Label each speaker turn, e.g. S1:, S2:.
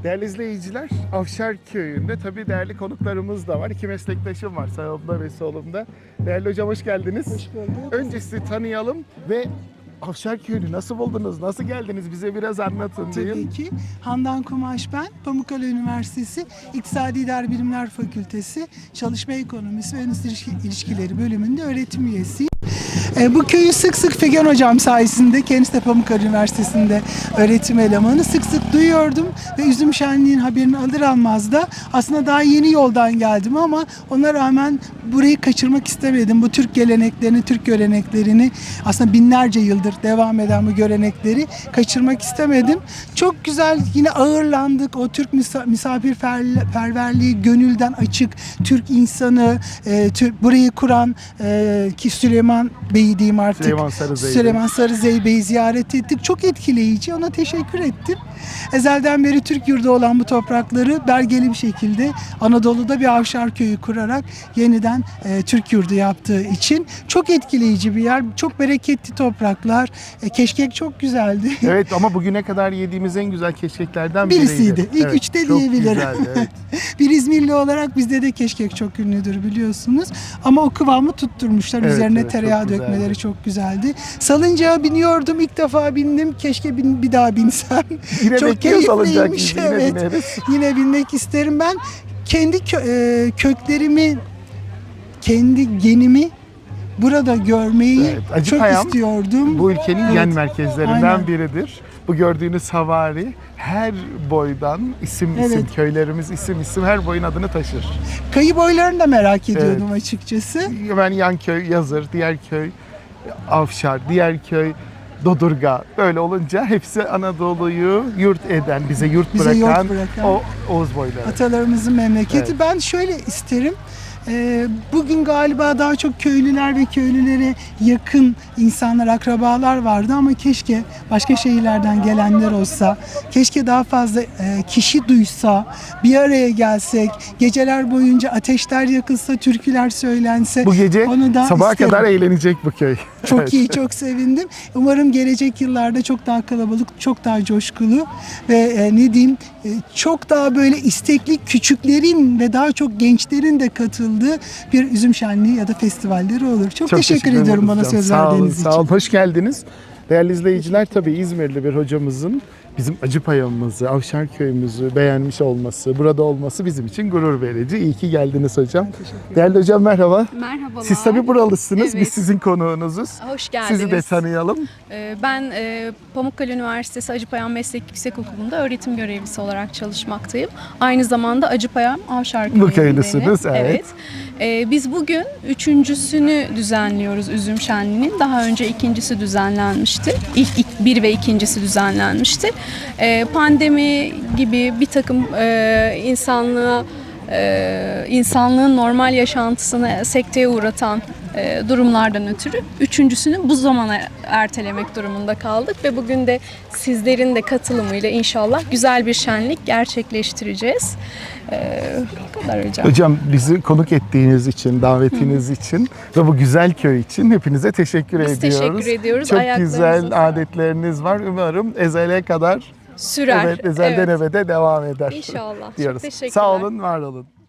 S1: Değerli izleyiciler, Avşar Köyü'nde tabii değerli konuklarımız da var. İki meslektaşım var sağımda ve solumda. Değerli hocam hoş geldiniz.
S2: Hoş bulduk.
S1: Önce sizi tanıyalım ve Avşar Köyü'nü nasıl buldunuz, nasıl geldiniz bize biraz anlatın
S2: Tabii
S1: diyeyim.
S2: ki. Handan Kumaş ben. Pamukkale Üniversitesi İktisadi İdari Bilimler Fakültesi Çalışma Ekonomisi ve Endüstri İlişkileri bölümünde öğretim üyesiyim. Bu köyü sık sık Figen Hocam sayesinde, kendisi de Pamukkale Üniversitesi'nde öğretim elemanı, sık sık duyuyordum ve üzüm şenliğinin haberini alır almaz da aslında daha yeni yoldan geldim ama ona rağmen burayı kaçırmak istemedim. Bu Türk geleneklerini, Türk göreneklerini, aslında binlerce yıldır devam eden bu görenekleri kaçırmak istemedim. Çok güzel yine ağırlandık. O Türk misafirperverliği, gönülden açık Türk insanı, burayı kuran ki Süleyman Bey'i diyeyim artık. Süleyman Sarızey Bey'i ziyaret ettik. Çok etkileyici. Ona teşekkür ettim. Ezelden beri Türk yurdu olan bu toprakları belgeli bir şekilde Anadolu'da bir Avşar Köyü kurarak yeniden Türk yurdu yaptığı için çok etkileyici bir yer. Çok bereketli topraklar. Keşkek çok güzeldi.
S1: Evet ama bugüne kadar yediğimiz en güzel keşkeklerden
S2: birisiydi. İlk
S1: evet,
S2: üçte
S1: çok
S2: diyebilirim.
S1: Güzeldi, evet.
S2: Bir İzmirli olarak bizde de keşkek çok ünlüdür biliyorsunuz. Ama o kıvamı tutturmuşlar.
S1: Evet,
S2: Üzerine
S1: evet,
S2: tereyağı
S1: çok
S2: dökmeleri
S1: güzeldi.
S2: çok güzeldi. Salıncağa biniyordum. İlk defa bindim. Keşke bir daha binsem.
S1: Yine
S2: Çok
S1: bekliyoruz alacak
S2: keyifliymiş.
S1: bizi, yine
S2: Evet.
S1: bineriz.
S2: Yine binmek isterim. Ben kendi köklerimi, kendi genimi burada görmeyi
S1: Evet,
S2: çok
S1: Acıpayam
S2: istiyordum.
S1: Bu ülkenin
S2: Evet,
S1: gen merkezlerinden
S2: aynen.
S1: biridir. Bu gördüğünüz havari her boydan isim
S2: Evet.
S1: köylerimiz isim her boyun adını taşır.
S2: Kayı boylarını da merak ediyordum açıkçası.
S1: Hemen yan köy Yazır, diğer köy Avşar, diğer köy Dodurga. Böyle olunca hepsi Anadolu'yu yurt eden, bize yurt bırakan o Oğuz boyları.
S2: Atalarımızın memleketi.
S1: Evet.
S2: Ben şöyle isterim. Bugün galiba daha çok köylüler ve köylülere yakın insanlar, akrabalar vardı ama keşke başka şehirlerden gelenler olsa, keşke daha fazla kişi duysa, bir araya gelsek, geceler boyunca ateşler yakılsa, türküler söylense.
S1: Bu gece
S2: onu da
S1: sabaha
S2: isterim.
S1: kadar eğlenecek bu köy.
S2: Çok
S1: Evet.
S2: iyi, çok sevindim. Umarım gelecek yıllarda çok daha kalabalık, çok daha coşkulu ve çok daha böyle istekli küçüklerin ve daha çok gençlerin de katıldığı bir üzüm şenliği ya da festivalleri olur. Çok teşekkür ediyorum bana
S1: hocam.
S2: söz
S1: Sağ olun,
S2: verdiğiniz için.
S1: sağ olun. Hoş geldiniz. Değerli izleyiciler, tabii İzmirli bir hocamızın bizim Acıpayam'ımızı, Avşar Köyümüzü beğenmiş olması, burada olması bizim için gurur verici. İyi ki geldiniz hocam. Değerli hocam merhaba.
S3: Merhabalar.
S1: Siz tabii buralısınız,
S3: Evet.
S1: biz sizin konuğunuzuz.
S3: Hoş geldiniz.
S1: Sizi de tanıyalım.
S3: Ben Pamukkale Üniversitesi Acıpayam Meslek Yüksekokulu'nda öğretim görevlisi olarak çalışmaktayım. Aynı zamanda Acıpayam Avşar Köyü'ndenim.
S1: Bu köylüsünüz, evet.
S3: Biz bugün üçüncüsünü düzenliyoruz üzüm şenliğinin. Daha önce ikincisi düzenlenmişti. İlk bir ve ikincisi düzenlenmişti. Pandemi gibi bir takım insanlığın normal yaşantısını sekteye uğratan durumlardan ötürü üçüncüsünü bu zamana ertelemek durumunda kaldık ve bugün de sizlerin de katılımıyla inşallah güzel bir şenlik gerçekleştireceğiz. Bu kadar hocam.
S1: Hocam bizi konuk ettiğiniz için, davetiniz için ve bu güzel köy için hepinize teşekkür
S3: Biz
S1: ediyoruz.
S3: teşekkür ediyoruz.
S1: Çok
S3: Ayaklarınıza
S1: güzel
S3: sağlık.
S1: adetleriniz var. Umarım ezele kadar
S3: Sürer.
S1: evet, ezelden
S3: Evet.
S1: ebede devam eder.
S3: İnşallah. Çok
S1: diyoruz.
S3: teşekkürler.
S1: Sağ olun, var olun.